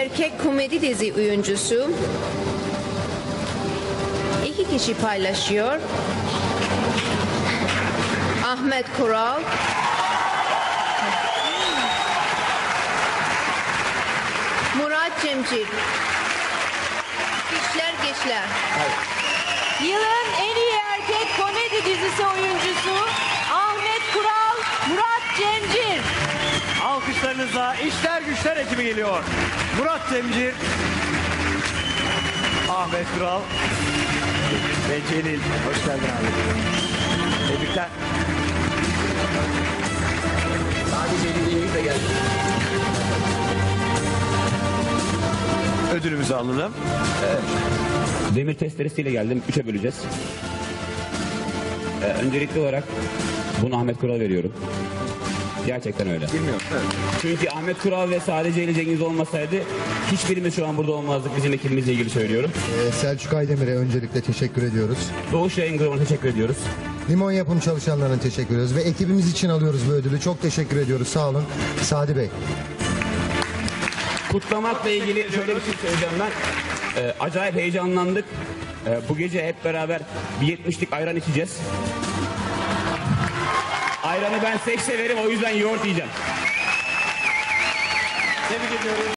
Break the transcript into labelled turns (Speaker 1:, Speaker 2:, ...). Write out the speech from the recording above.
Speaker 1: erkek komedi dizi oyuncusu. 2 kişi paylaşıyor. Ahmet Kural, Murat Cemcir. Gençler.
Speaker 2: Yılın en iyi erkek komedi dizisi oyuncusu Ahmet Kural, Murat Cemcir.
Speaker 3: Alkışlarınızla İşler Güçler ekibi geliyor. Murat Cemcir, Ahmet Kural ve Celil. Hoş geldin abi. Tebrikler.
Speaker 4: Sadece Celil'le geldi.
Speaker 3: Ödülümüzü alalım.
Speaker 4: Demir testeresiyle geldim. 3'e böleceğiz. Öncelikli olarak bunu Ahmet Kural'a veriyorum. Gerçekten öyle.
Speaker 3: Bilmiyorum. Evet.
Speaker 4: Çünkü Ahmet Kural ve sadece Ali Cengiz olmasaydı hiçbirimiz şu an burada olmazdık. Bizim ekibimizle ilgili söylüyorum.
Speaker 5: Selçuk Aydemir'e öncelikle teşekkür ediyoruz.
Speaker 4: Doğuş Yayın Grubu'na teşekkür ediyoruz.
Speaker 5: Limon yapım çalışanlarına teşekkür ediyoruz ve ekibimiz için alıyoruz bu ödülü. Çok teşekkür ediyoruz. Sağ olun. Sadi Bey.
Speaker 4: Kutlamakla ilgili şöyle bir şey söyleyeceğim ben. Acayip heyecanlandık. Bu gece hep beraber bir 70'lik ayran içeceğiz. Ayranı ben severim, o yüzden yoğurt yiyeceğim.
Speaker 3: Tebrik ediyoruz.